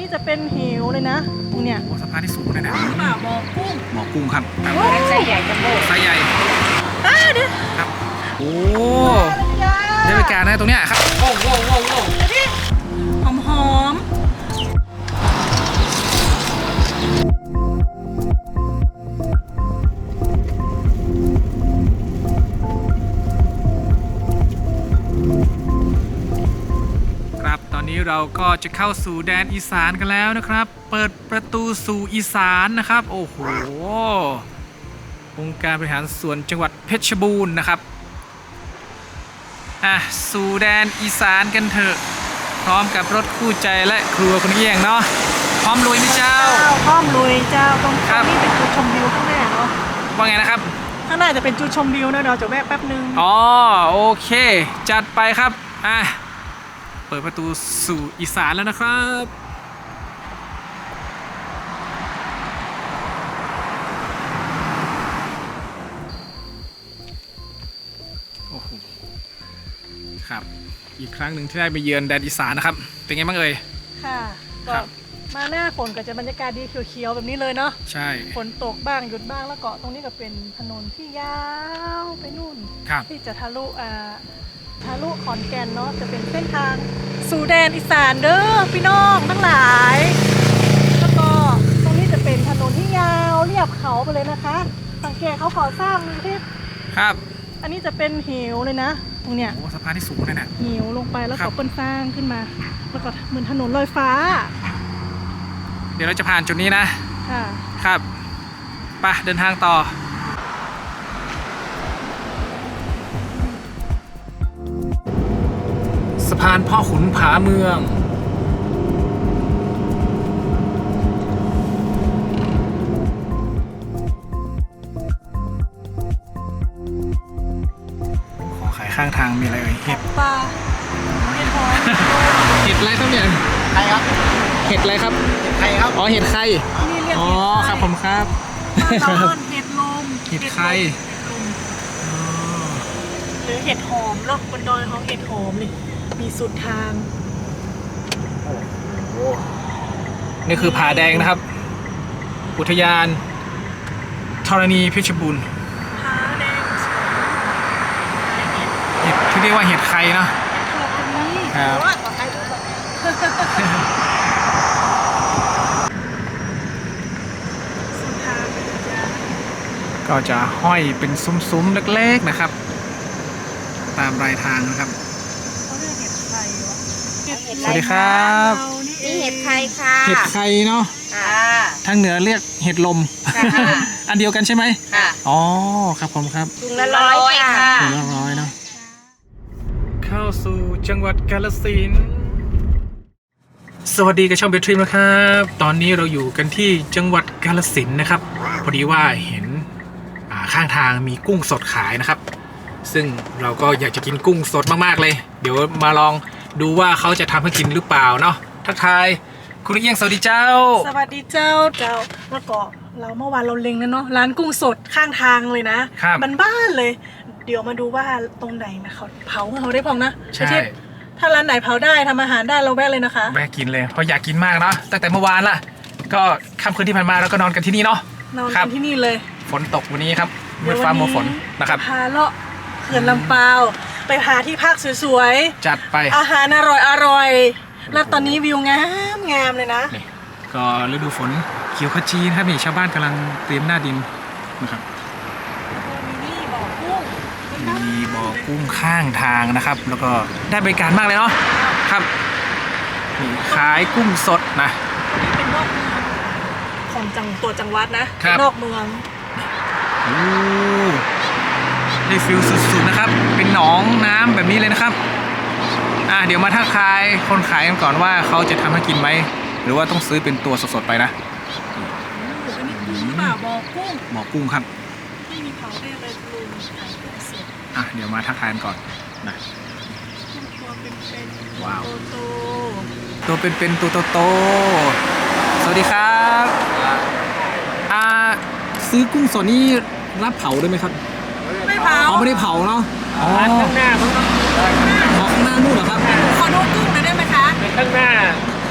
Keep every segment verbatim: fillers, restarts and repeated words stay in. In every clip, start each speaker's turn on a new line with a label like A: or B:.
A: นี้จะเป็นเหวเลยนะตรงเนี้ย
B: โอ้สะพานที่สูงเลยนะ
A: ป่าบ่อกุ้ง
B: บ่อกุ้งครับ
C: ไซส์ใหญ่จัมโบ้
B: ไซส์ใหญ่
A: อ่าเดี๋ยว
B: ครับโอ้ได้บรรยากาศนะตรงเนี้ยครับโอ้โหโอ้โห
A: หอมหอม
B: ครับตอนนี้เราก็จะเข้าสู่แดนอีสานกันแล้วนะครับ เปิดประตูสู่อีสานนะครับ โอ้โหองค์การบริหารส่วนจังหวัดเพชรบูรณ์นะครับอ่ะสู่แดนอีสานกันเถอะพร้อมกับรถคู่ใจและครัวคุณเอี้ยงเนาะพร้อมลุยไหมเจ้า
A: เจ้าพร้อมลุยเจ้าตรง
B: ครับ
A: นี้เป็นจุดชมวิวข้างหน้าเนาะ
B: ว่าไงนะครับ
A: ข้างหน้าจะเป็นจุดชมวิวนะเดี๋ยวจะแวะแป๊บนึง
B: อ๋อโอเค จัดไปครับอ่ะเปิดประตูสู่อีสานแล้วนะครับโอ้โหครับอีกครั้งหนึ่งที่ได้ไปเยือนแดนอีสานนะครับเป็นไงบ้างเอ่ย
A: ค่ะ
B: ค
A: ก็
B: รับ
A: มาหน้าฝนก็จะบรรยากาศดีเขียวๆแบบนี้เลยเนาะ
B: ใช่
A: ฝนตกบ้างหยุดบ้างแล้วก็ตรงนี้ก็เป็นถนนที่ยาวไปนู่น
B: ครับ
A: ที่จะทะลุอ่าทะลุขอนแก่นเนาะจะเป็นเส้นทางสู่แดนอีสานเด้อพี่น้องทั้งหลายแล้วก็ตรงนี้จะเป็นถนนที่ยาวเรียบเขาไปเลยนะคะ สังเกตเขาก่อสร้างนี่ที่
B: ครับ
A: อันนี้จะเป็นเหวเลยนะตรงเนี้ย
B: โอ้สะพานที่สูงเลยนะ
A: เหวลงไปแล้ว
B: ครั
A: ก็
B: บ
A: เปิ้นสร้างขึ้นมา แล้วก็เหมือนถนนลอยฟ้า
B: เดี๋ยวเราจะผ่านจุดนี้นะ
A: ค่ะ
B: ครับไปเดินทางต่อสะพานพ่อขุนผาเมืองขอขายข้างทางมีอะไรเอ่ยเห็ด
A: ปลาเห็ดหอม
B: เห็ดอะไรครับเนี่ย
C: ใครครับ
B: เห็ดอะไรครับ
C: ใครครับ
B: อ๋อเห็ดไข่
A: นี่เรียก
B: อ๋อ
A: เห็ดไข่
B: ครับผมครับ
A: บ้านเราเอิ้นเห็ดลม
B: เห็ดไข่ อ๋อ
A: หรือเห็ดหอมเนาะบนดอยเขาเห็ดหอมเลยมีสุดทาง
B: นี่คือผาแดงนะครับ อุทยานธรณีเพชรบูรณ์
A: ผาแดง
B: เห็ดที่เรียกว่าเห็ดไข่เนาะ
A: ขอบคุณนี่
B: ครับ
A: ว่าขอใครรู้แบบสุดทางจะ
B: ก็จะห้อยเป็นซุ้มๆเล็กๆนะครับ ตามรายทางนะครับ
A: เขาเรียกเห็ดไข่วะเห็ด
B: สวัสดีครับ
A: เรานี่เอ
C: นี่
A: ง
C: เห็ดไข่ค่ะ
B: เห็ดไข่เนาะ
C: ค่ะ
B: ทางเหนือเรียกเห็ดลม
C: ค่ะ
B: อันเดียวกันใช่ไหม
C: ค่ะ
B: อ๋อครับผมครับ
C: ถุงละร้อยค่ะ
B: ถึงละร้อยเนาะเข้าสู่จังหวัดกาฬสินธุ์สวัสดีกับช่องเบทริมนะครับ ตอนนี้เราอยู่กันที่จังหวัดกาฬสินธุ์นะครับ พอดีว่าเห็นอ่าข้างทางมีกุ้งสดขายนะครับ ซึ่งเราก็อยากจะกินกุ้งสดมากๆเลย เดี๋ยวมาลองดูว่าเขาจะทำให้กินหรือเปล่าเนาะทักทายคุณเอียงสวัสดีเจ้า
A: สวัสดีเจ้าเจ้าแล้วก็เราเมื่อวานเราเล็งแล้วเนาะร้านกุ้งสดข้างทางเลยนะครับ บ้านๆเลย เดี๋ยวมาดูว่าตรงไหนนะเขาเผาเขาได้พองนะ
B: ใช่
A: ไอ้ที่ถ้าร้านไหนเผาได้ทำอาหารได้เราแวะเลยนะคะ
B: แวะกินเลยเพราะอยากกินมากเนาะตั้งแต่เมื่อวานละก็ค่ำคืนที่ผ่านมาเราก็นอนกันที่นี่เนาะ
A: นอน
B: ครั
A: กับ นที่นี่เลย
B: ฝนตกวันนี้ครับมืดฟ้ามัวฝนนะครับ
A: พาเลาะเขื่อนลำปาวไปพาที่พักสวย
B: จัดไป
A: ๆอาหารอร่อยอร่อยๆแล้วตอนนี้วิวงามงามเลยนะ
B: นี่ก็ฤดูฝนเขียวขจีนะครับนี่ชาวบ้านกำลังเตรียมหน้าดินนะครับ
A: มีนี่บ่อกุ้ง
B: มีบ่อกุ้งข้างทางนะครับ แล้วก็ได้บริการมากเลยเนาะครับนี่ขายกุ้งสดนะ
A: เป็นนอกเมืองของจังตัวจังหวัดนะครับ นอกเมือง
B: โอ้ได้ฟิลสุดๆนะครับ เป็นหนองน้ำแบบนี้เลยนะครับอ่ะเดี๋ยวมาทักทายคนขายกันก่อนว่าเขาจะทำให้กินไหมหรือว่าต้องซื้อเป็นตัวสดๆไปนะ
A: อันนี้กุ้งหรือเปล่าบ่อกุ้ง
B: บ่อกุ้งครับ
A: ไม่มีเผาได้เลยลุงขายกุ้งสด
B: อ่ะเดี๋ยวมาทักทายกันก่อนนะ
A: กุ้งตัวเป็นๆ
B: ว้าว
A: โต
B: ตัวเป็นๆตัวโตๆสวัสดีครับอ่าซื้อกุ้งสดนี่รับเผาด้วยไหมครับ
A: ๆไม่เผา
B: อ๋อไม่ได้เผาเนาะอ๋อ
C: ข้างหน้ามันก็
B: ขอข้างหน้านู่นเหรอครับ
A: ขอดูกุ้งหน่อยได้ไหมคะ
C: ข้างหน้า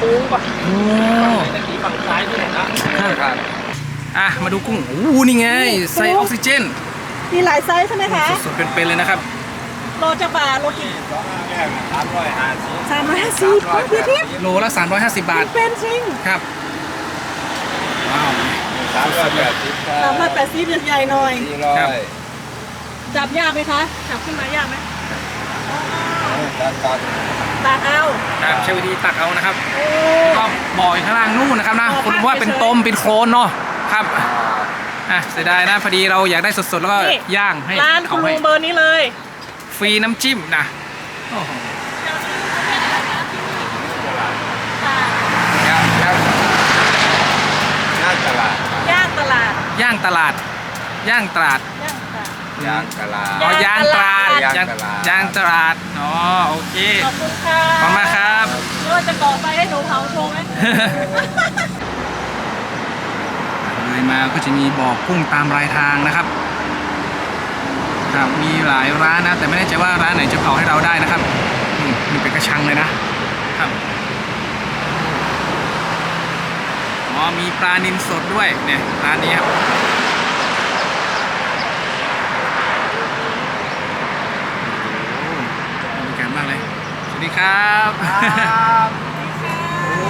B: ค้งป่ะโอ้ฝั่งซ้ายด้วยนะครับอ่ะมาดูกุ้งโอ้โหนี่ไงใส่ออกซิเจน
A: มีหลายไซส์ใช่ไหมคะ
B: สดๆเป็นๆเลยนะครับ
A: โลจะบาทโลกี่
D: สามร้อยห้าสิบ
A: สามร้อยห้าสิบพี่ทิพย์
B: โลละสามร้อยห้าสิบบาท
A: เป็นจริง
B: ครับว้าว
D: สามร้อยแปดสิบ
A: สามร้อยแปดสิบใหญ่ๆหน่อย
D: สี่ร้อย
A: จับยากไหมคะจับขึ้นมายากไหม
D: ตัดตัด
A: ตากเอา
B: ครับใช้วิธีตักเอานะครับ
A: โอ้
B: ก็บ่อยข้างล่างนู่นนะครับนะ
A: อ๋อ
B: คุณว่าเป็น
A: เฉยๆ
B: ต้มเป็นโคลนเนาะครับอ่ะเสียดายนะพอดีเราอยากได้สดๆแล้วก็
A: นี่
B: ย่างให้
A: ร้านคุ
B: เขา
A: ณ
B: ให้
A: ลุงเบอร์นี้เลย
B: ฟรีน้ำจิ้มนะโอ้โห
D: ย่างย่างย่างตลาด
A: ย่างตลาด
B: ย่างตลาด ย่างตลาด
A: ย่างตลาด
D: ย่างตลาด
B: อ๋อย่างตลาด
D: ย่าง
B: ย่าง
D: ตลาด
B: ย่างตลาดอ๋อโอเค
A: ขอบคุณค่ะ
B: ขอบคุณมากครับ
A: ไม่ว่าจะก่อไฟให้หนูเผาโชว์ไหม
B: เลยมาก็จะมีบ่อกุ้งตามรายทางนะครับครับมีหลายร้านนะ แต่ไม่แน่ใจว่าร้านไหนจะเผาให้เราได้นะครับอืมนี่เป็นกระชังเลยนะครับอ๋อมีปลานิลสดด้วยเนี่ยร้านนี้ครับโอ้บรรยากาศมากเลยสวัสดีครับโอ้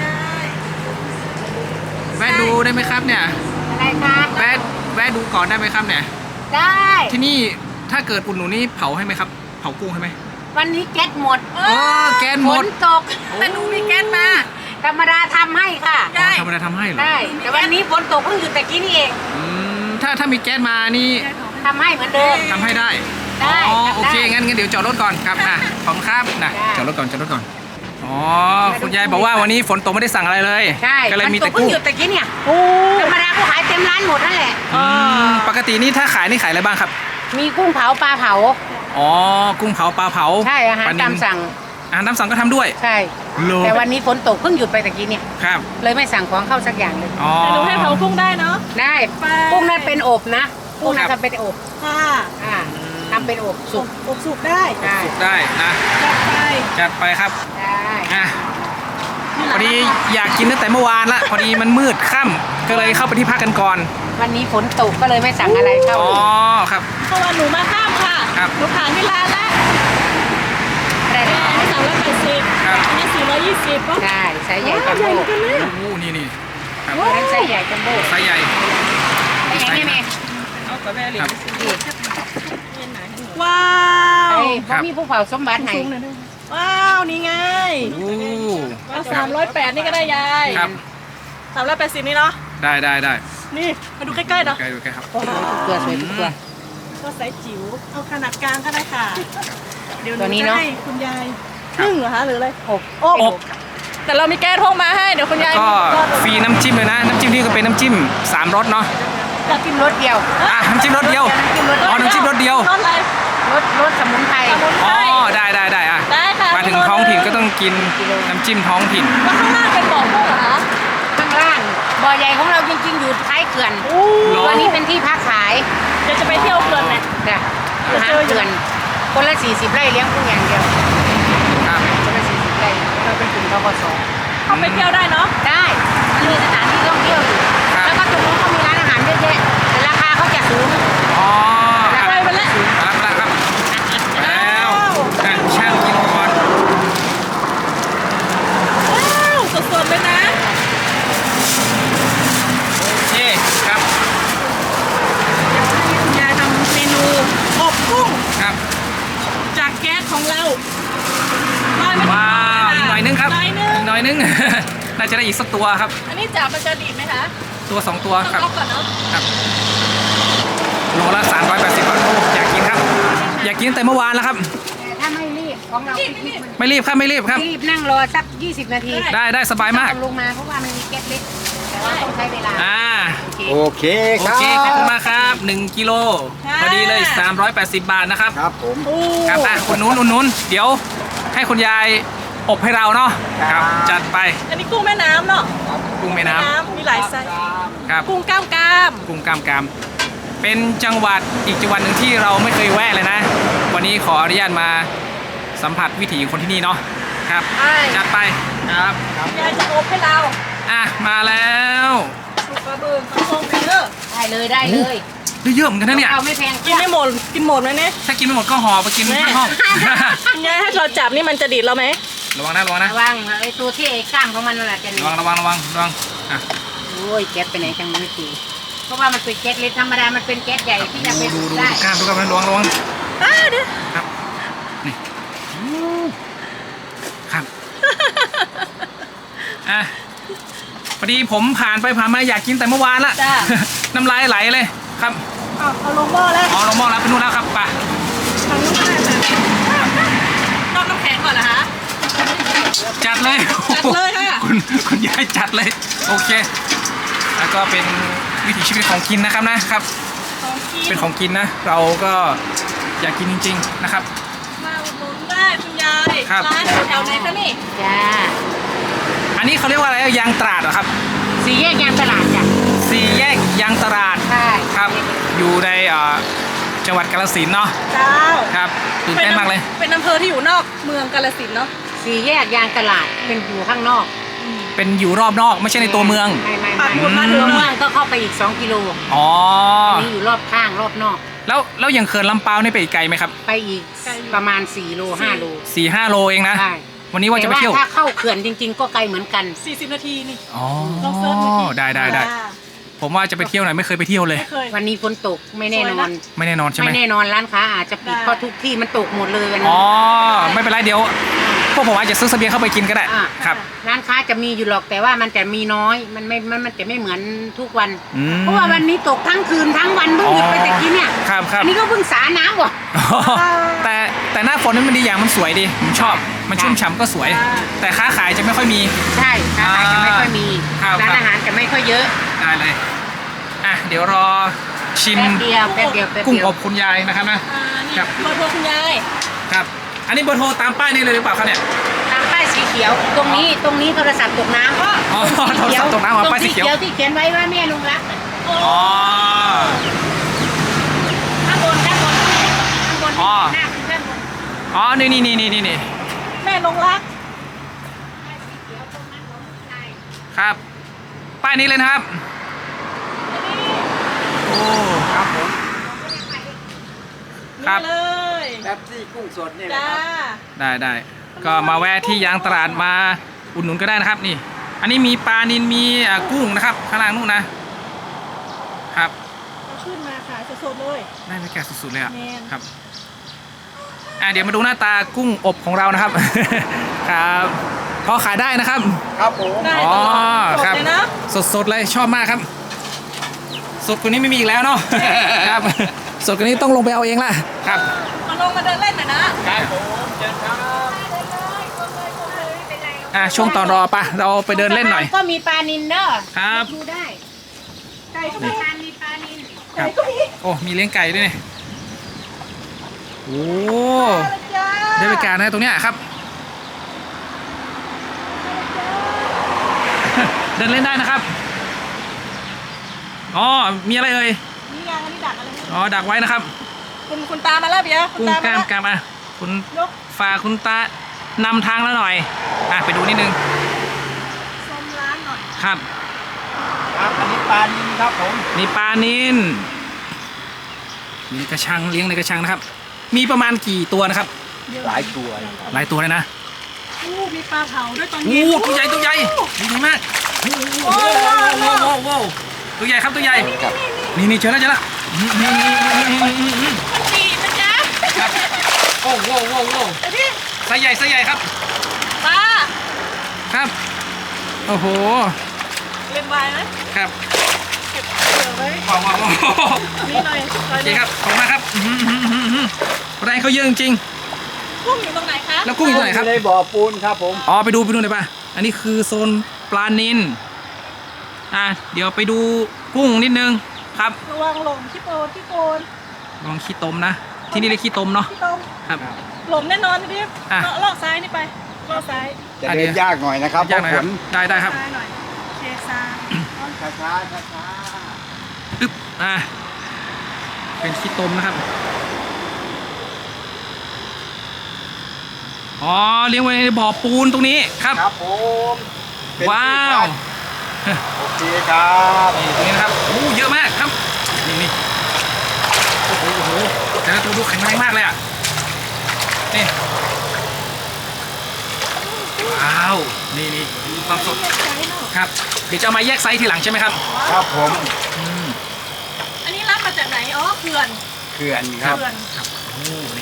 B: แวะดูได้ไหมครับเนี่ย
C: อะไรคะ
B: แวะแวะดูก่อนได้ไหมครับเนี่ย
C: ได้
B: ที่นี่ถ้าเกิดอุ่นหนูนี่เผาให้ไหมครับเผากุ้งให้ไหม
C: วันนี้แก๊สหมด
B: เออแก๊สหม
C: ฝ
B: ด
C: นตกแต่หนูมีแก๊สมา ธรรมดาทำให้ค่ะ
B: อ๋อธรรมดาทำให้เหรอ
C: ได้ แต่วันนี้ฝนตกเพิ่งหยุดแต่กี้นี่เอง
B: อืมถ้าถ้ามีแก๊สมานี่
C: ทำให้เหมือนเดิม
B: ทำให้ได้
C: ได้
B: อ๋อ
C: ทำได้
B: โอเคงั้นงั้นเดี๋ยวจอดรถก่อนครับอ่ะขอบคุณครับนะ
C: ได้
B: จอดรถก่อนจอดรถก่อนอ๋อคุณยายบอกว่าวันนี้ฝนตกไม่ได้สั่งอะไรเลย
C: ใช่
B: ก็เลย
C: ฝน
B: มี
C: ต
B: แต่
C: กเพิ่ง
B: กุ้ง
C: หยุดแต่กี้เนี่ย
A: โอ้
C: ธรรมดาก็ขายเต็มร้านหมดนั่นแหละ
B: อืมปกตินี่ถ้าขายนี่ขายอะไรบ้างครับ
C: มีกุ้งเผาปลาเผา
B: อ๋อกุ้งเผาปลาเผา
C: ใช่อาหาร
B: ปลนิล
C: ตามสั่ง
B: อาหารตามสั่งก็ทำด้วย
C: ใช่
B: โล
C: แต่วันนี้ฝนตกเพิ่งหยุดไปแต่กี้เนี่ย
B: ครับ
C: เลยไม่สั่งของเข้าสักอย่างเลย
B: อ๋อ
A: แต่หนูให้เผากุ้งได้เนาะ
C: ได้
A: ไป
C: กุ้งนั้นเป็นอบนะกุ้งนั้น
B: ครับ
C: ทำเป็นอบ
A: ค่ะ
C: อ่าทำเป็นอบสุก
A: อบสุกได้
C: ได้
B: สุกได้นะ
A: จัดไป
B: จัดไปครับ
C: ได้
B: อ่ะพอดีอยากกินตั้งแต่เมื่อวานละพอดีมันมืดค่ำก็เลยเข้าไปที่พักกันก่อน
C: วันนี้ฝนตกก็เลยไม่สั่งอะไรเข้า
B: อ๋อครับ
A: เพราะว่าหนูมาข้ามค่ะ
B: ครับ
A: หนูผ่านที่ร้านแล้ว
C: ได้
A: อันนี้สามร้อยแปดสิบ
B: ครับ
A: อันนี้สี่ร้อยยี่สิบป่ะ
C: ได้ไซส์ใหญ่จัม
A: ใหญ่
C: โบ้
A: เหมือนกันเลย
B: โอ้โหนี่นี่ครับ
C: นั้นไซส์ใหญ่จัมโบ้
B: ไซส์ใหญ่
C: ไอ้ยังไงแม่
B: ครับ
A: ว้า
C: ไอ้
A: ว
C: พ่อพี่ผู้เผาสมบัติให้
A: สูงหน่อยด้วยว้าวนี่ไง
B: โอ้
A: เอาสามร้อยแปดนี่ก็ได้ยาย
B: ครับ
A: สามร้อยแปดสิบนี่เนาะ
B: ได้ได้ได้
A: นี่มาดูใกล้ๆเนาะ
B: ใกล้ดูใกล้ครับ
C: ทุกตัวสวยทุกตัว
A: ก็ไซส์จิ๋วเอาขนาดกลางก็ได้ค่ะเดี๋ยวห
C: ตัวนี้
A: จะ
C: เนอะ
A: ให้คุณยายนึ่งเหรอคะหรืออะไร
C: อบ
A: อบ แต่เรามีแก๊สพกมาให้เดี๋ยวคุณยาย
B: ก็
A: ก็
B: ฟรีน้ำจิ้มเลยนะน้ำจิ้มนี่ก็เป็นน้ำจิ้มสามรสเนาะ
C: อยากกินรสเดียว
B: อ่ะน้ำจิ้มรสเดียว
C: น้ำจิ้มรส
B: อ๋อน้ำจิ้มรสเดียว
A: รสอะไร
C: รสรสสมุนไพร
A: สมุนไพ
B: อ๋อ
A: ร
B: ได้ได้ได้อ่ะ
A: ได้ค่ะ
B: มาถึงท้องถิ่นก็ต้องกินน้ำจิ้มท้องถิ่น
A: แล้วข้างล่างเป็นบ่อกุ้งเหรอคะ
C: ข้างล่างบ่อใหญ่ของเราจริงๆอยู่ท้ายเขื่อน
A: โอ้
C: ตัวนี้เป็นที่พักขาย
A: เดี๋ยวจะไปเที่ยวเขื่อนไหม
C: นะอาหารเขื่อนคนละสี่สิบไร่เลี้ยงกุ้งอย่างเดียว
B: ครับ
C: คนละสี่สิบไร่เราเป็นกลุ่มทกส
A: เข้าไปเที่ยวได้เนาะ
C: ได้มันมีสถานที่ท่องเที่ยวอยู่
B: ครับ
C: แล้วก็ตรงนู้นก็มีร้านอาหารเยอะแยะแต่ราคาเขาจะสูง
B: อ๋อค
A: ไป
B: รับ
A: ไปแล้ว
B: ครับครับครับแล้วอ่ะช่างกินก่อน
A: ว้าวสดๆเลยนะ
B: โอเคครับ
A: คุณยายทำเมนูอบกุ้ง
B: ครับ
A: จากแก๊สของเราได้ไหม
B: ว้าวอีกหน่อยนึงครับ
A: หน่อยนึง
B: อีกหน่อยนึง น่าจะได้อีกสักตัวครับ
A: อันนี้จับมันจะดีดไหมคะ
B: ตัวสองตัว
A: ต้อง
B: ครับ
A: เอาก่อนเนาะ
B: ครับโลละสามร้อยแปดสิบบาทโอ้อยากกินครับ อยากกินตั้งแต่เมื่อวานแล้วครับ
C: แต่ถ้าไม่รีบของเรารีบรีบ
B: ไม่รีบครับไม่รีบครับ
C: รีบนั่งรอสักยี่สิบนาที
B: ได้ได้สบายมาก
C: ต้องลงมาเพราะว่ามันมีแก๊สเล็กแต่ว่าต้องใช้เวลา
B: อ่า
C: โอเค
D: โอเค
B: โอ
D: ครับ
B: เคขอบคุณมากครับหนึ่งกิโลพอดีเลยสามร้อยแปดสิบบาทนะครับ
D: ครับผม
A: โอ้
B: ครับอ่ะคนนู้นคนนู้นเดี๋ยวให้คุณยายอบให้เราเนาะครับจัดไป
A: อันนี้กุ้งแม่น้ำเนาะ
B: กุ้งแม่น้ำ
A: มีหลายไซส์
B: ครับ
A: กุ้งกล้ามกราม
B: กุ้งกล้ามกรามเป็นจังหวัดอีกจังหวัดหนึ่งที่เราไม่เคยแวะเลยนะ วันนี้ขออนุญาตมาสัมผัสวิถีคนที่นี่เนาะครับ
A: ใช่
B: จัดไปครับ
A: ยายจะอบให้เรา
B: อ่ะมาแล้ว
A: สุกกระเบื้องกระทงไปเด้อ
C: ได้เลยได้เลย
B: ได้เยอะเหมือนกันนะเนี่ย
C: เอาไม่แพง
A: กินไม่หมดกินหมดไหมเนี่ย
B: ถ้ากินไม่หมดก็ห่อไปกิน
A: แม่
B: ที่ห้อง
A: ยายให้เราจับนี่มันจะดีดเราไหม
B: ระวังนะระวังนะ
C: ระวังไอ้ตัวที่ไอ้กล้ามของมันนั่นแหละจะ
B: ระวังระวังระวังระวังอ่ะ
C: โอ้ยแก๊สไปไหนจังไม่ตีเพราะว่ามันเป็นแก๊สเล็กธรรมดามันเป็นแก๊สใหญ่ที่จะไป
B: ดูดูดู
C: ได้
B: กล้ามดูกล้ามนะระวังระวัง
A: อ่าเดี๋ยว
B: ครับนี่ครับอ่ะพอดีผมผ่านไปผ่านมาอยากกินแต่เมื่อวานละ
A: จ้า
B: น้ำลายไหลเลยครับ
A: เอาเอาลงหม้อแล้ว
B: อ๋อลงหม้อแล้วไปนู่นแล้วครับไป
A: ทำน้ำลายแบบนอกน้ำแข็งก่อนเหรอคะ
B: จัดเลย
A: จัดเลยค่ะ
B: คุณคุณยายจัดเลยโอเค แล้วก็เป็นวิถีชีวิตของกินนะครับนะครับ
A: ของกิน
B: เป็นของกินนะ เราก็อยากกินจริง ๆนะครับ
A: มาอุดหนุนได้คุณยาย
B: ครับ
A: ร้านอยู่แถวไหนคะนี่
C: จ้า
B: อันนี้เขาเรียกว่าอะไรยางตราดเหรอครับ
C: สี่แยกยางตลาดจ้ะ
B: สี่แยกยางตราด
C: ใช่
B: ครับอยู่ในเอ่อจังหวัดกาฬสินธุ์เนาะ
A: เจ้า
B: ครับตื่นเต้นมากเลย
A: เป็นอำเภอที่อยู่นอกเมืองกาฬสินธุ์เนาะ
C: สี่แยกยางตลาดเป็นอยู่ข้างนอก
B: เป็นอยู่รอบนอกไม่ใช่ในตัวเมือง
C: ไม่ไม่
A: ปักหมุ
C: ไม่
A: ดมาถึ
C: ตัว
A: ง
C: เมืองก็เข้าไปอีกสองกิโล
B: อ๋อ
C: อันนี้อยู่รอบข้างรอบนอก
B: แล้วแล้วอย่างเขื่อนลำเปาวนี่ไปอีกไกลไหมครับ
C: ไปอีกประมาณสี่โลห้าโล
B: สี่ห้าโลเองนะ
C: ใช่
B: วันนี้ว่าจะไป
C: แต่
B: เที่ยว
C: ถ้าเข้าเขื่อนจริง ๆ ก็ไกลเหมือนกัน
A: สี่สิบนาทีนี่
B: อ๋อ
A: ลองเซิร์ชดูสิ
B: ได้ได้ได้
A: จ้า
B: ผมว่าจะไปเที่ยวไหนไม่เคยไปเที่ยวเลย
A: ไม่เคย
C: วันนี้ฝนตกไม่แน่นอน
B: ไม่แน่นอนใช่ไหม
C: ไม่แน่นอนร้านค้าอาจจะปิด
A: ได้
C: เพราะทุกที่มันตกหมดเลยวันนี้
B: อ๋อไม่เป็นไรเดี๋ยวพวกผมอาจจะซื้อเสบียงเข้าไปกินก็ได้
C: อ่ะ
B: ครับ
C: ร้านค้าจะมีอยู่หรอกแต่ว่ามันจะมีน้อยมันไม่มันมันจะไม่เหมือนทุกวัน
B: อืม
C: เพราะว่าวันนี้ตกทั้งคืนทั้งวันเพิ่งหยุดไปแต่กี้เนี่ย
B: ครับครับ
C: อันนี้ก็เพิ่งสาน้ำว่ะ
B: อ๋อแต่แต่หน้าฝนนี่มันดีอย่างมันสวยดีผมชอบมันชุ่มฉ่ำก็สวย แต่ค้าขายจะไม่ค่อยมี
C: ใช่ร้านอาหารจะไม่ค่อยมี
B: ครับ
C: ร้าน
B: ครับ
C: อาหารจะไม่ค่อยเยอะ
B: ได้เลยอ่ะเดี๋ยวรอชิม
C: แป๊บเดียวแป๊บเดียวแป๊บ
B: กุ้ง
C: เดียว
B: อบคุณยายนะครับนะ
A: อ่านี่
B: ครับ
A: เบอร์โทรคุณยาย
B: ครับ อันนี้เบอร์โทรตามป้ายนี่เลยหรือเปล่าครับเนี่ย
C: ตามป้ายสีเขียวตรงนี้ตรงนี้โทรศัพท์ตกน้ำก็
B: อ๋อโทรศัพท์ตกน้ำอ๋อป้ายสีเขียว
C: ตรงที่เขียนไว้ว่าแม่ลุงรักน่ะ
B: อ๋อ
C: ข้างบนข้างบนข้างบน
B: อ๋อ
C: หน้าเป็นข้างบน
B: อ๋อนี่นี่นี่นี่นี่นี่
A: แม่ลงรัก
C: ป้ายสีเขียวตรงนั้นของนาย
B: ครับ ป้ายนี้เลยนะครับโอ้
D: ครับผม
B: ครับ
A: นี่เลย
D: แป๊บซี่กุ้งสดนี่แหละ
A: จ้า
D: ครับ
B: ได้ได้ก็มาแวะที่ยางตลาดมาอุดหนุนก็ได้นะครับนี่ อันนี้มีปลานิลมีอ่ากุ้งนะครับข้างล่างนู่นนะครับ
A: เอาขึ้นมาขายสดๆเลย
B: ได้บรรยากาศสุดๆเลยอ่ะ
A: แม่น
B: ครับอ่ะเดี๋ยวมาดูหน้าตากุ้งอบของเรานะครับ ครับพอขายได้นะครับ
D: ครับผม
A: ได้
B: อ๋อ
A: ตลอด
B: ครับ
A: สดเลยนะ
B: สดๆเลยชอบมากครับ สดกว่านี้ไม่มีอีกแล้วเนาะ ครับ สดกว่านี้ต้องลงไปเอาเองละครับ
A: มาลงมาเดินเล่นหน่อยนะครับ
D: ผมเชิญครับ
B: อ่ะช่วงตอนรอปะเราไปเดินเล่นหน่อย
C: ก็มีปลานินเด้อ
B: ครับ
C: ดูได้
A: ไก่ก็
C: มี
A: มี
C: ปลานินปลานิน
B: ครับโอ้มีเลี้ยงไก่ด้วยเนี่ยโอ้
A: จ้า
B: ได้บรรยากาศนะตรงเนี้ยครับ เดินเล่นได้นะครับอ๋อมีอะไรเอ่ย
A: นี่ไงอันนี้ดักอะไร
B: อ๋อดักไว้นะครับ
A: คุณคุณตามาแล้วเบียร์คุณ
B: กุ้ง
A: ตาก มา
B: ล้าม
A: แล้ว
B: กล้ามอ่ะคุณ
A: ยก
B: ฝากคุณตานำทางแล้วหน่อยอ่ะไปดูนิดนึง
A: ชมร้านหน่อย
B: ครับ
D: ครับอันนี้ปลานิลครับผม
B: นี่ปลานินมีในกระชังเลี้ยงในกระชังนะครับ มีประมาณกี่ตัวนะครับ
D: หลายตัวเลยครับ
B: หลายตัวเลยนะ
A: อู้มีปลาเผาด้วยตอน
B: โอ้
A: เย็น
B: ตัวใหญ่ตัวใหญ่ตัวใหญ่มากโอ้โหโว้โว้โว้ตัวใหญ่ครับตัวใหญ่
D: ครับ
B: นี่นี่เจอแล้วเจอแล้วนี่นี่นี่นี่นี่นี่นี่
A: มันดีนะจ๊ะ
B: ครับโอ้โหโว้โว้
A: ไอ้ที่
B: ไซส์ใหญ่ไซส์ใหญ่ครับ
A: ปลา
B: ครับโอ้โห
A: เล่นไวน์ไหม
B: ครับ
A: เก็บเผื่อไว้
B: ว้าวว้าวว้าว
A: นี่หน่อยหน่
B: โอ
A: อย
B: เค
A: หนึ่ง
B: ครับขอบคุณมากครับอื้อหือหือหือหือแรงเขาเยอะจริง
A: กุ้งอยู่ตรงไหนคะ
B: ๆแล้วกุ้งอยู่ตรงไหนครับ
D: ในบ่อปูนครับผม
B: อ๋อไปดูไปดูหน่อยป่ะ อันนี้คือโซนปลานิลอ่ะเดี๋ยวไปดูกุ้งนิดนึงครับ
A: ระวังหลงขี้โปนขี้โกน
B: ลองขี้ตมนะ ที่นี่เรียกขี้ตมเนาะ
A: ขี้ตม
B: ครับ
A: หลงแน่นอนพี่ดิฟ
B: อ่ะ
A: เลาะเลาะซ้ายนี่ไปเลาะซ้าย
D: จะ
B: อันนี้
D: เดินยากหน่อยนะครับ
B: ยากหน่อยครับ
D: เพ
B: ได้ได้ครับ
A: ซ้ายหน่อยโอเคซ้าย
D: ราะฝนช้าๆช้า
B: ปึ๊บอ่ะเป็นขี้ตมนะครับอ๋อเลี้ยงไว้ในบ่อปูนตรงนี้ครับ
D: ครับผมเป็น
B: ว้าว
D: ที่พักโอเคครับ
B: นี่ตรงนี้นะครับโอ้เยอะมากครับนี่นี่โอ้โหโอ้โหแต่ละตัวดูแข็งแรงมากเลยอ่ะนี่ว้าวนี่นี่มีความสดครับเดี๋ยวจะเอามาแยกไซส์ทีหลังใช่ไหมครับ
D: ครับผม
B: อืม
A: อันนี้รับมาจากไหนอ๋อเขื่อน
D: เขื่อนครับ
A: เขื่อน
B: ครับโอ้นี่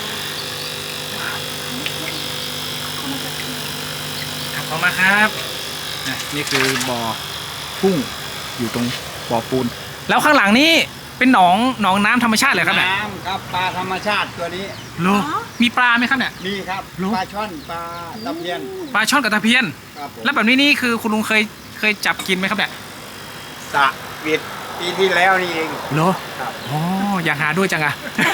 B: ครับออกมาครับนะนี่คือบ่อกุ้งอยู่ตรงบ่อปูน แล้วข้างหลังนี่เป็นหนองหนองน้ำธรรมชาติเลยครับเนี่ย
D: น้ำครับปลาธรรมชาติตัวนี้
B: โลมีปลาไหมครับเนี่ย
D: นี่ครับ
B: รู้
D: ปลาช่อนปลาตะเพียน
B: ปลาช่อนกับตะเพียน
D: ครับผม
B: แล้วแบบนี้นี่คือคุณลุงเคยเคยจับกินไหมครับเนี่ย
D: สระปิดปีที่แล้วนี่เอง
B: โล
D: ครับ
B: อ๋ออยากหาด้วยจังอะ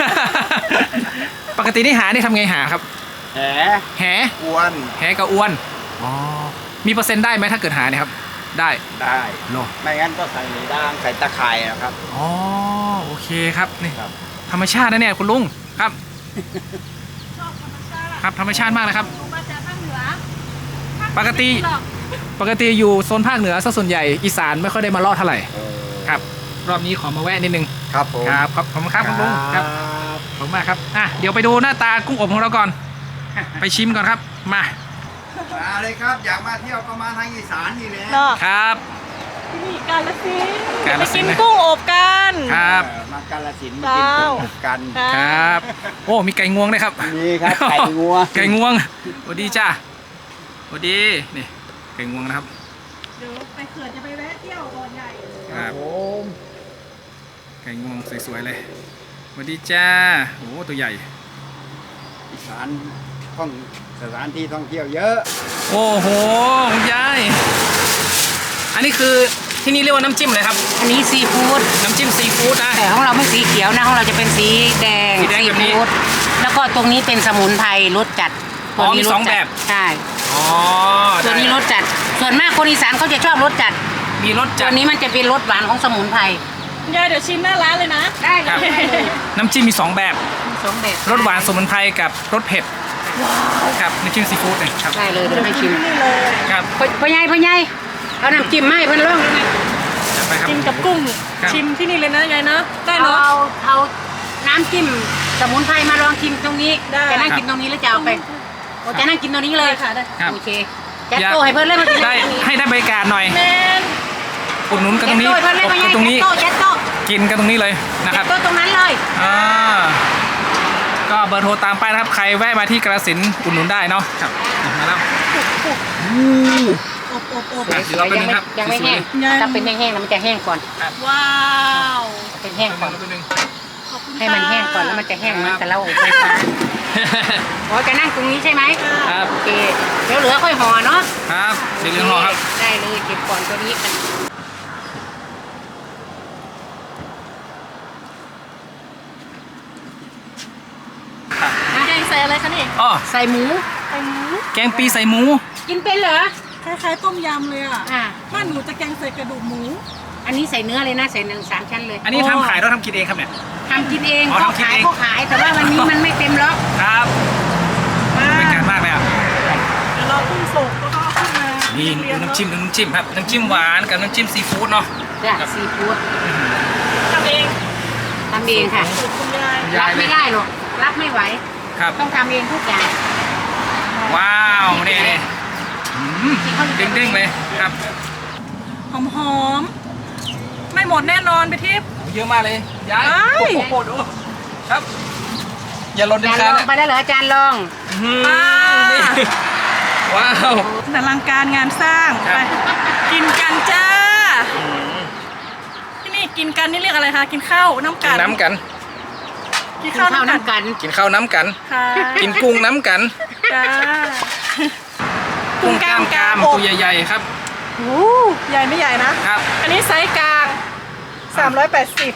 B: ปกตินี่หานี่ทำไงหาครับ
D: แห
B: แห
D: อวน
B: แหกับอ้วนอ๋อมีเปอร์เซ็นต์ได้ไหมถ้าเกิดหาเนี่ยครับ ได้
D: ได้
B: โล
D: ไม่งั้นก็ใส่ด่างใส่ตะข่ายนะครับ
B: อ๋อโอเคครับนี่
D: ครับ
B: ธรรมชาตินะเนี่ยคุณลุงครับ
A: ชอบธรรมชาติ
B: ครับธรรมชาติมากเลยครับ
A: ลงมาจากภาคเหนือ
B: ปกติ
A: หรอก
B: ปกติอยู่โซนภาคเหนือซะส่วนใหญ่อีสานไม่ค่อยได้มาลอดเท่าไหร่ครับ รอบนี้ขอมาแวะนิดนึง
D: ครับผม
B: ครับขอบขอบคุณครับคุณลุงครับขอบคุณมากครับอ่ะเดี๋ยวไปดูหน้าตากุ้งอบของเราก่อน ไปชิมก่อนครับมา
D: มาเลยครับ อยากมาเที่ยวก็มาทางอีสานนี่แหละ
A: เนาะ
B: ครับ
A: ที่นี่กาลสินธุ์
B: กาฬ
A: ไป
B: สิ
A: กิ
B: น
A: น
B: ธุ์นะ
A: กุ้งอบกัน
B: ครับ
D: เออมากาฬสินธุ์มา
A: เจ้า
D: กินกุ้งอบกัน
B: ครับโอ้มีไก่งวงด้วยครับ
D: นี่ครับไก่งัว
B: ไก่งวงสวัสดีจ้าสวัสดีนี่ไก่งวงนะครับ
A: เดี๋ยวไปเขื่อนจะไปแวะเที่ยวบ่อใหญ่
B: ครับ
D: ผม
B: ไก่งวงสวยๆเลยสวัสดีจ้าโอ้ตัวใหญ่
D: อีสานท่องสถานที่ท่องเที่ยวเยอะ
B: โอ้โหคุณยายอันนี้คือที่นี่เรียกว่าน้ำจิ้มเลยครับ
C: อันนี้ซีฟู้ด
B: น้ำจิ้มซีฟู้ดนะ
C: แต่ของเราไม่สีเขียวนะของเราจะเป็นสีแดง
B: สีแดงแบบนี้
C: ฟู้ดแล้วก็ตรงนี้เป็นสมุนไพรรสจัด
B: อ๋อมี
C: ร
B: ส
C: ส
B: อง
C: จัด
B: แบบ
C: ใช่
B: อ๋อ
C: ตัวนี้
B: ได้
C: รสจัด ส่วนมากคนอีสานเขาจะชอบรสจัด
B: มีรส
C: ตั
B: จั
C: ว
B: ด
C: นี้มันจะเป็นรสหวานของสมุนไพร
A: ยายเดี๋ยวชิมหน้าร้านเลยนะ
C: ได้
B: ครับ
C: เลยได้เลย
B: น้ำจิ้มมีสองแบบ
C: มีสองแบบ
B: รสหวานสมุนไพรกับรสเผ็ดครับน้ำจิ้มซีฟู้ดเนี่ยครับ
C: ได้เลยเดี๋ยวให้ชิม
A: นี่เลย
B: ครับ
C: พ่อพ่อใหญ่พ่อใหญ่เอาน้ำจิ้มมาให้เพิ่นลองเลย
B: จัดไปครับ
A: กินกับกุ้ง
B: ครับ
A: ชิมที่นี่เลยนะยายนะได้
C: เอา
A: เนาะ
C: เอาเอาน้ำจิ้มสมุนไพรมาลองชิมตรงนี้
A: ได้
C: จะนั่งกินตรงนี้หรือจะเอาไปโอ้จะนั่งกินตรงนี้เลย
A: ค่ะได้
B: ครับ
C: โอเคจัดโต๊ะให้เพิ่นเลยมากิน
B: ได้
C: ตรงนี้
B: ให้ได้บรรยากาศหน่อย
A: แมน
B: อุดหนุนกันตรงนี้
C: จัดโต๊ะให้
B: อบ
C: เพิ่นเลย
B: กันตรงนี้
C: จัดโต๊ะจัดโต๊ะ
B: กินกันตรงนี้เลยนะค
C: จั
B: รั
C: ด
B: บ
C: โต๊ะตรงนั้นเลย
B: อ่าก็เบอร์โทรตามไปนะครับ ใครแวะมาที่กระสินธุ์อุดหนุนได้เนาะครับมาแล้ว
A: อบอบอบ
B: อ่ะเดี๋ยวเราไป
C: ยังไม่
B: ครับ
C: ยังไม่แห้ง
A: ยัง
C: ถ้าเป็นแห้งๆแล้วมันจะแห้งก่อน
A: ว้าว
C: เป็นแห้งก่อน
B: แป๊บนึง
A: ขอบคุณ
C: ให้มันแห้งก่อนแล้วมันจะแห้งเหมือน
B: ครับ
C: กับเราอบไฟฟ้าอ๋อจะนั่งตรงนี้ใช่ไหม
B: ครับ
C: โอเคเดี๋ยวเหลือค่อยห่อเนาะ
B: ครับเดี๋ยวเรื่องรอครับ
C: ได้เลยเก็บก่อนตัวนี้กัน
A: แกงใส่อะไรคะนี่
B: อ๋อ
C: ใส่หมู
A: ใส่หมู
B: แกงปีใส่หมู
C: กินเป็นเหรอ
A: คล้ายๆต้มยำเลยอ่ะ
C: อ่า
A: บ้านหนูจะแกงใส่กระดูกหมู
C: อันนี้ใส่เนื้อเลยนะใส่หนึ่งสามชั้นเลย
B: อันนี้ทำขายเราทำกินเองครับเนี่ย
C: ทำกินเอง
B: อ๋อ
C: ก็
B: ทำกิน
C: ขาย
B: เอง
C: ก็ขายแต่ว่าวันนี้มันไม่เต็มล็อก
B: ครับเป็นการมากเลยอ่ะ
A: เดี๋ยวรอกุ้งสุกแล้วก็เอาขึ้นมา
B: นี่
A: เรี
B: ดู
A: ยงๆ
B: น้ำจิ้ม
A: เนาะ
B: ดูน้ำจิ้มครับน้ำจิ้มหวานกับน้ำจิ้มซีฟู้ดเนาะ
C: จ้ะซีฟู้ด
A: ทำเอง
C: ทำเองค่ะ
A: สูตรคุณยาย
B: ยา
C: รั
B: ย
C: บ
B: เลย
C: ไม่ได้หรอกรับไม่ไหว
B: ครับ
C: ต้องทำเองทุกอย่าง
B: ว้าวนี่นี่อืมเด้งๆเลยครับ
A: หอมๆไม่หมดแน่นอนไปทิพย์
B: เยอะมากเลยยาย
A: เอ้ย
B: โอ้โหดูครับ อย่าหล่นเด็ด
C: จาน
B: ขา
C: ล
B: ด
C: องไปแล้วเหรออาจารย์ลอง
B: อืม
A: อ่า
B: นี่ว้าว
A: อลังการงานสร้าง
B: ครับ
A: ไปกินกันจ้า ที่นี่กินกันนี่เรียกอะไรคะกินข้าวน้ำ
B: กิ
A: กัน น
B: น้ำกัน
A: กิน
C: กิน
A: ข้าว
C: ข้าว
A: น้ำกัน
C: น้ำกัน
B: กินข้าวน้ำกัน
A: ค่ะ
B: กินกุ้งน้ำกัน
A: จ้า
B: กุ้งกล้ามกราม
A: อบ
B: ตัวใหญ่ๆครับ
A: โอ้ใหญ่ไม่ใหญ่นะ
B: ครับ
A: อันนี้ไซส์กลางสามร้อยแปดสิบ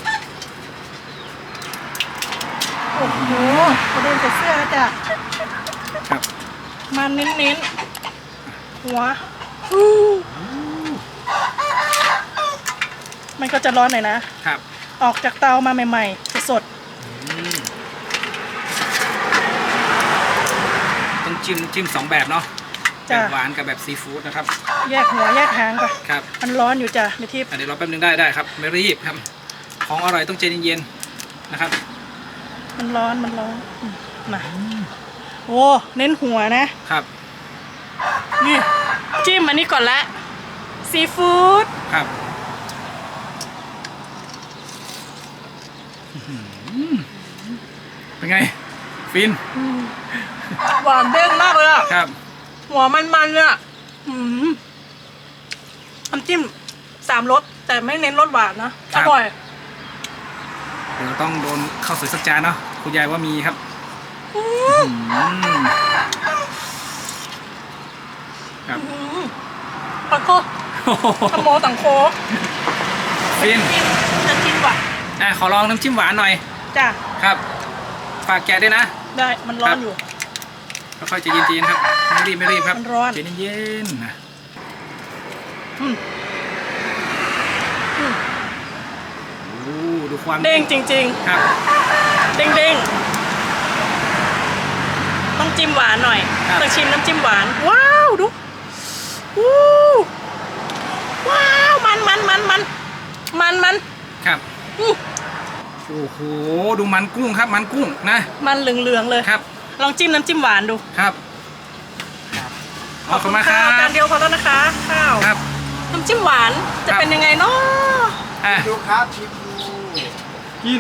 A: โอ้โหกระเด็นใส่เสื้อแล้วจ้ะ
B: ครับ
A: มันเน้นๆ หัวอู้มันก็จะร้อนหน่อยนะ
B: ครับ
A: ออกจากเตามาใหม่ๆ สด
B: ต้องจิ้มจิ้มสองแบบเนาะแบ
A: จ้ะ
B: บหวานกับแบบซีฟู้ดนะครับ
A: แยกหัวแยกหางก่อน
B: ครับ
A: มันร้อนอยู่จ้ะในทิพย์
B: อันนี้เราแป๊บนึงได้ได้ครับไม่รีบครับของอร่อยต้องใจเย็นๆนะครับ
A: มันร้อนมันร้อนอืมมาโอ้เน้นหัวนะครับ นี่จิ้มอันนี้ก่อนละซีฟู้ด
B: ครับเป็นไงฟิน
A: หวานเด้งมากเลยอะ
B: ครับ
A: หัวมันๆเนี่ยอืมน้ำจิ้มสามรสแต่ไม่เน้นรสหวานนะอร่อย
B: เดี๋ยวต้องโดนข้าวสวยสักจานเนาะคุณยายว่ามีครับอืมครับ
A: อืมขอโทษขโมยตังโค
B: ฟิน
A: จิ้มจะจิ้มหวาน
B: อ่ะขอลองน้ำจิ้มหวานหน่อย
A: จ้ะ
B: ครับฝากแกะด้วยนะ
A: ได้มันร้อนอยู่
B: ค่อยๆใจเย็นๆครับไม่รีบไม่รีบครับ
A: มันร้อน
B: ใจเย็นๆนะ
A: อืมอืม
B: โอ้ดูความ
A: เด้งจริง
B: ครับ
A: ๆ เด้งเด้งๆต้องจิ้มหวานหน่อย
B: ครับ
A: ต้องชิมน้ำจิ้มหวาน ว้าวดูวู้ว้าวมันมันมันมันมันมัน
B: ครับ
A: อื้อ
B: โอ้โหดูมันกุ้งครับมันกุ้งนะ
A: มันเหลืองๆเลย
B: ครับ
A: ลองจิ้มน้ำจิ้มหวานดู
B: ครับขอบคุณมากครั
A: ข้าวจาน
B: บ
A: เดียวพอแล้วนะคะข้าว
B: ครับ
A: น้ำจิ้มหวานจะ
B: ครับ
A: เป็นยังไงเนาะ
B: อ่ะ
D: ดูครับชิมดู
B: กิน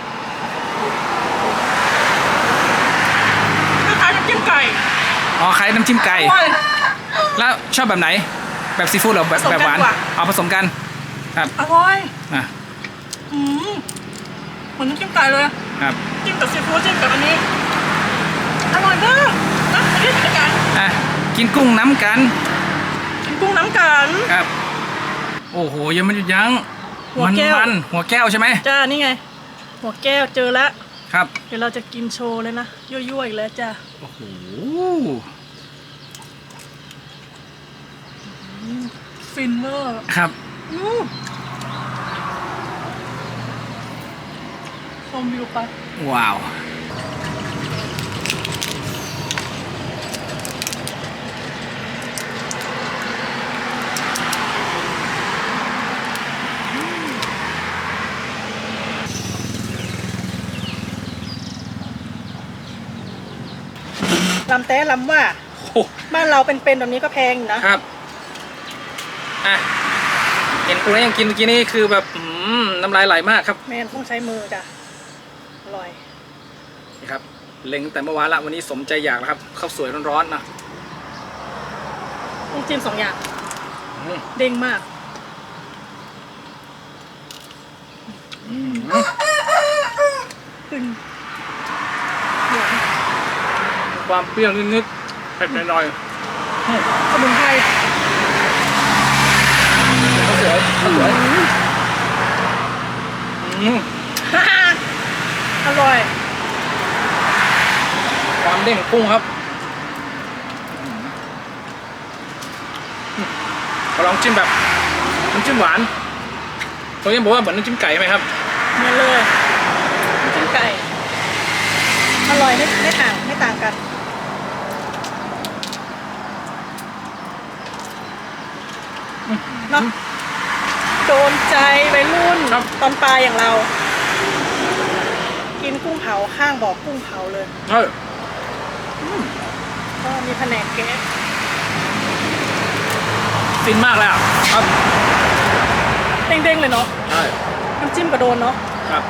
A: คล้ายๆน้ำจิ้มไก่
B: อ๋อใครน้ำจิ้มไก่
A: อร่อย
B: แล้วชอบแบบไหน แบบซีฟู้ดหรือแบบ
A: ผสม
B: แบบหวาน
A: กันกว่า
B: เอาผสมกันครับ
A: อร่อย
B: อ่ะ
A: อืมเหมือนน้ำจิ้มไก่เลย
B: ครับ
A: จิ้มกับซีฟู้ดจิ้มกับอันนี้อร่อยมากนะอันนี้เป็นการ
B: อ่ะกินกุ้งน้ำกัน
A: กินกุ้งน้ำกัน
B: ครับ โอ้โหยังไม่หยุดยั้ง
A: หัวแก้ว
B: มันๆหัวแก้วใช่ไหม
A: จ้านี่ไง หัวแก้วเจอแล้ว
B: ครับ
A: เดี๋ยวเราจะกินโชว์เลยนะยั่วๆอีกแล้วจ้า
B: โอ้โห
A: ฟินเวอร์
B: ครับ
A: อืมชมวิวไป
B: ว้าว
A: ลำแต้ลำว่า
B: โอ้
A: บ้านเราเป็นๆแบบนี้ก็แพงอยู่นะครับ
B: อ่ะเห็นคุณยังกินเมื่อกี้นี่คือแบบอืมน้ำลายไหลมากครับ
A: แม่นต้องใช้มือจ้ะอร่อย
B: นี่ครับเล็งแต่เมื่อวานละวันนี้สมใจอยากแล้วครับข้าวสวยร้อนๆนะ
A: ต้องจิ้มสองอย่าง
B: อืม
A: เด้งมาก
B: อืม
A: ขึ้น
B: ความเปรี้ยวนิดๆเผ็ดหน่อยๆอืม
A: สมุนไพร
B: ข้าวสวยข้าวสวยอืม
A: อร่อย
B: ความเด้งของกุ้งครับขอลองจิ้มแบบน้ำจิ้มหวานตัวนี้บอกว่าเหมือนน้ำจิ้มไก่ไหมครับ
A: มาเลยน้ำจิ้มไก่ อร่อยไม่ไม่ต่างไม่ต่างกันเนาะโดนใจวัยรุ่น
B: ครับ
A: ตอนปลายอย่างเรา กินกุ้งเผาข้างบ่อกุ้งเผาเลย
B: ใช่
A: ก็มีแผนกแก๊ส
B: ฟินมากเลยอ่ะครับ
A: เด้งๆเลยเนาะ
B: ใช่
A: น้ำจิ้มกระโดนเนาะ
B: ครับ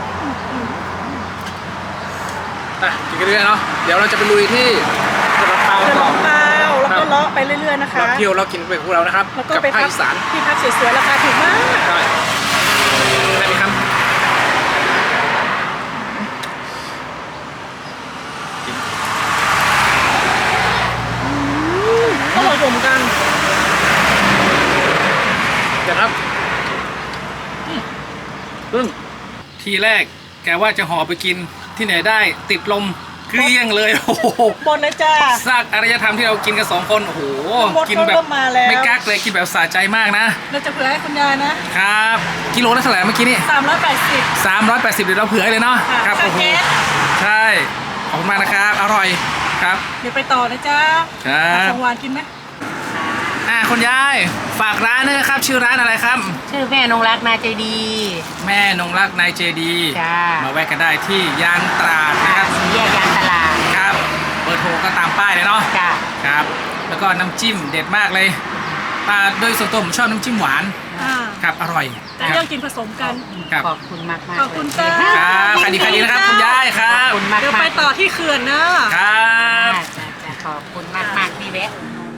B: อ่ะกินกันเรื่อยๆเนาะเดี๋ยวเราจะไปลุยที่กระเพรา
A: เดิน
B: ต่
A: ล
B: อ
A: งเปล่าแล้ว
B: ครั
A: ก็
B: บ
A: เลาะไปเรื่อยๆนะคะ
B: เราเที่ยวเรากินไปพวกเรานะครับ
A: แล้วก็
B: กับ
A: ไป
B: ภาค
A: พัก
B: อีสาน
A: ที่พักสวยๆราคาถูกมาก
B: ใช่ได้ไหมครับกิน
A: ก็ผสมกัน
B: เดี๋ยวครับอืมซึ่งทีแรกแกว่าจะห่อไปกินที่ไหนได้ติดลมเกลี้ยงเลยโอ้โห
A: บนเลยจ้า
B: ซากอารยธรรมที่เรากินกันสองคนโอ้โห
A: หมด
B: กินแบบ
A: เริ่มมาแล้ว
B: ไม่กักเลยกินแบบสะใจมากนะ
A: เราจะเผื่อให้คุณยายนะครับ
B: กิโลละเท่าไหร่เมื่อกี้นี่
A: สามร้อยแปดสิบ
B: สามร้อยแปดสิบเดี๋ยวเราเผื่อให้เลยเนาะ
A: ค่ะ
B: ครับ
A: ค่า
B: โอ้โห
A: แก๊ส
B: ใช่ขอบคุณมากนะครับอร่อยครับ
A: เดี๋ยวไปต่อนะจ๊ะ
B: ครับ
A: ของหวานกินไหม
B: อ่าคุณยายฝากร้านด้วยนะครับ ชื่อร้านอะไรครับ
C: ชื่อแม่นงรักนาใจดี
B: แม่นงรักนายเจดี
C: จ้า
B: มาแวะกันได้ที่ยางตราด
C: ค่ะ
B: นะครับ
C: สี่แยกยางตลาด
B: ครับเบอร์โทรก็ตามป้ายเลยเนาะ
C: จ้า
B: ครับ แล้วก็น้ำจิ้มเด็ดมากเลยอ่าโดยส่วนตัวผมชอบน้ำจิ้มหวาน
A: อ่า
B: ครับอร่อย
A: แต่
B: ค
A: เรื่
B: รั
A: อบ งกินผสมกัน
B: ครับ
C: ขอบคุณมากมาก
A: ขอบคุณจ้า
B: ครับใครดีใครดีนะครับคุณยายครั
C: ขอบบ คุณมาก
A: เดี๋ยว
C: มา
A: ไป
C: ก
A: ต่อที่เขื่อนนะ
B: ครับ
C: จ้าจ้าขอบคุณมากมากที่แวะอุดหนุน